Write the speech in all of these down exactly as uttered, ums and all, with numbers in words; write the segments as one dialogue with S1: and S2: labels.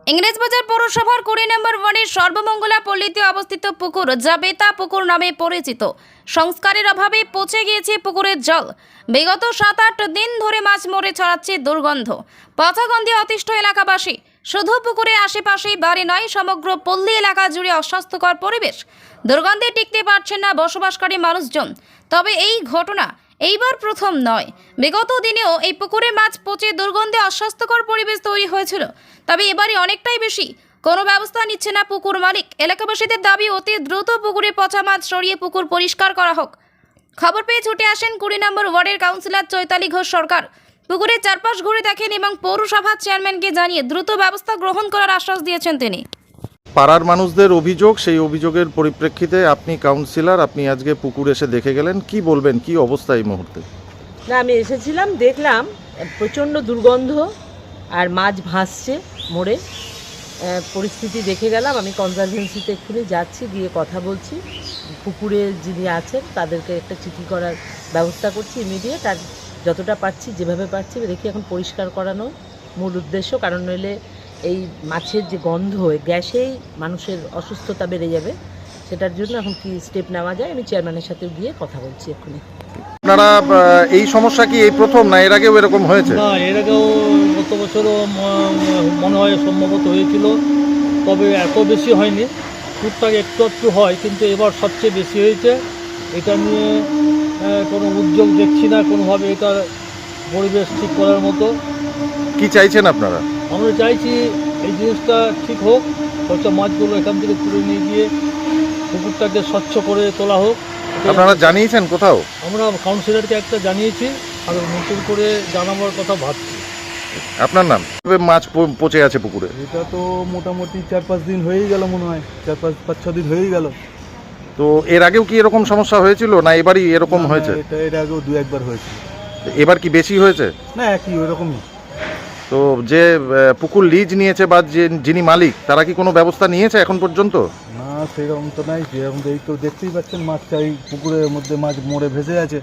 S1: ইংরেজবাজার পৌরসভার কুড়ি নম্বর ওয়ার্ডের সর্বমঙ্গলা পল্লীতে অবস্থিত পুকুর, যা বেতা পুকুর নামে পরিচিত, সংস্কারের অভাবে পচে গিয়েছে পুকুরের জল। বিগত সাত আট দিন ধরে মাছ মরে ছড়াচ্ছে দুর্গন্ধ। পচা গন্ধে অতিষ্ঠ এলাকাবাসী। শুধু পুকুরের আশেপাশেই বাড়ি নয়, সমগ্র পল্লী এলাকা জুড়ে অস্বাস্থ্যকর পরিবেশ। দুর্গন্ধে টিকতে পারছেন না বসবাসকারী মানুষজন। তবে এই ঘটনা এইবার প্রথম নয়। বিগত দিনেও এই পুকুরে মাছ পচে দুর্গন্ধে অস্বাস্থ্যকর পরিবেশ তৈরি হয়েছিল। তবে এবারে অনেকটাই বেশি। কোনো ব্যবস্থা নিচ্ছে না পুকুর মালিক। এলাকাবাসীদের দাবি, অতি দ্রুত পুকুরে পচা মাছ সরিয়ে পুকুর পরিষ্কার করা হোক। খবর পেয়ে ছুটে আসেন কুড়ি নম্বর ওয়ার্ডের কাউন্সিলর চৈতালি ঘোষ সরকার। পুকুরের চারপাশ ঘুরে দেখেন এবং পৌরসভার চেয়ারম্যানকে জানিয়ে দ্রুত ব্যবস্থা গ্রহণ করার আশ্বাস দিয়েছেন তিনি।
S2: পাড়ার মানুষদের অভিযোগ, সেই অভিযোগের পরিপ্রেক্ষিতে আপনি কাউন্সিলর, আপনি আজকে পুকুর এসে দেখে গেলেন। কি বলবেন, কি অবস্থা এই মুহূর্তে?
S3: না, আমি এসেছিলাম, দেখলাম প্রচণ্ড দুর্গন্ধ আর মাছ ভাসছে মরে। পরিস্থিতি দেখে গেলাম। আমি কনজারভেন্সিতে এক্ষুনি যাচ্ছি, গিয়ে কথা বলছি। পুকুরে যিনি আছেন তাদেরকে একটা চিঠি করার ব্যবস্থা করছি ইমিডিয়েট। আর যতটা পারছি, যেভাবে পারছি দেখি এখন পরিষ্কার করানো মূল উদ্দেশ্য। কারণ নইলে এই মাছের যে গন্ধ, গ্যাসেই মানুষের অসুস্থতা বেড়ে যাবে। সেটার জন্য এখন কি স্টেপ নেওয়া যায়, আমি চেয়ারম্যানের সাথে গিয়ে কথা বলছি এক্ষুনি।
S2: আপনারা এই সমস্যা কি এই প্রথম, না এর আগেও এরকম হয়েছে?
S4: না, এর আগেও গত বছরও মনে হয় সম্ভবত হয়েছিল, তবে এত বেশি হয়নি। টুকটাক একটু একটু হয়, কিন্তু এবার সবচেয়ে বেশি হয়েছে। এটা নিয়ে কোনো উদ্যোগ দেখছি না কোনোভাবে এটা পরিবেশ ঠিক করার মতো।
S2: কি চাইছেন আপনারা?
S4: আমরা চাইছি এই জিনিসটা ঠিক হোক, পচা মাছগুলো এখান থেকে তুলে নিয়ে গিয়ে পুকুরটাকে স্বচ্ছ করে তোলা হোক।
S2: আপনারা জানিয়েছেন কোথাও?
S4: আমরা কাউন্সিলরকে একটা জানিয়েছি, আর নতুন করে জানাবার কথা ভাবছি।
S2: আপনার নাম? মাছ প- পচে আছে পুকুরে।
S5: এটা তো মোটামুটি চার পাঁচ দিন হয়েই গেল, মনে হয় চার পাঁচ পাঁচ ছ দিন হয়েই গেল।
S2: তো এর আগেও কি এরকম সমস্যা হয়েছিল, না এবারই এরকম
S5: না,
S2: হয়েছে?
S5: এটা এর আগেও দু একবার হয়েছে।
S2: এবার কি বেশি হয়েছে?
S5: না, একই ওরকমই।
S2: তো যে আহ, পুকুর লিজ নিয়েছে বা যে যিনি মালিক, তারা কি কোনো ব্যবস্থা নিয়েছে এখন পর্যন্ত?
S5: না, সেরকম তো নাই। যেরকম এই তো দেখতেই পাচ্ছেন, মাছ চাই, পুকুরের মধ্যে মাছ মরে ভেসে আছে।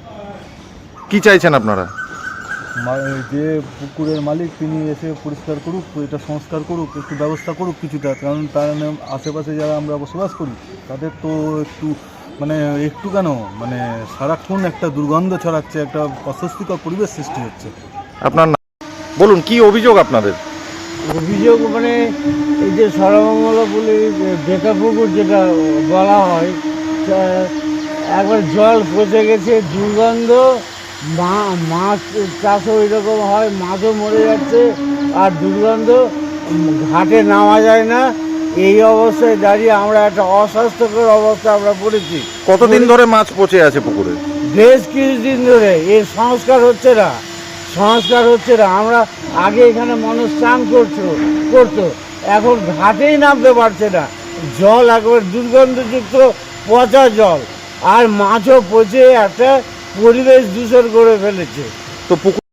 S2: কি চাইছেন আপনারা?
S5: মা- যে পুকুরের মালিক তিনি এসে পরিষ্কার করুক, এটা সংস্কার করুক, একটু ব্যবস্থা করুক কিছুটা। কারণ তার আশেপাশে যারা আমরা বসবাস করি তাদের তো একটু মানে একটু কেন মানে সারাক্ষণ একটা দুর্গন্ধ ছড়াচ্ছে, একটা অস্বস্তিকর পরিবেশ সৃষ্টি হচ্ছে।
S2: আপনার নাম বলুন, কি অভিযোগ আপনাদের?
S6: অভিযোগ মানে এই যে সর্বমঙ্গলা বলে বেকা পুকুর যেটা বলা হয়, তা একবার জল পচে গেছে, দুর্গন্ধ, মা মাছ চাষও এরকম হয়, মাছও মরে যাচ্ছে আর দুর্গন্ধ, ঘাটে নামা যায় না। এই অবস্থায় দাঁড়িয়ে আমরা একটা অস্বাস্থ্যকর অবস্থা আমরা পড়েছি।
S2: কতদিন ধরে মাছ পচে আছে পুকুরে?
S6: বেশ কিছুদিন ধরে এর সংস্কার হচ্ছে না সংস্কার হচ্ছে না আমরা আগে এখানে মানুষ স্নান করতো করতো এখন ঘাটেই নামতে পারছে না। জল একেবারে দুর্গন্ধযুক্ত পচা জল, আর মাছও পচে একটা পরিবেশ দূষণ করে ফেলেছে।
S2: তো পুকুর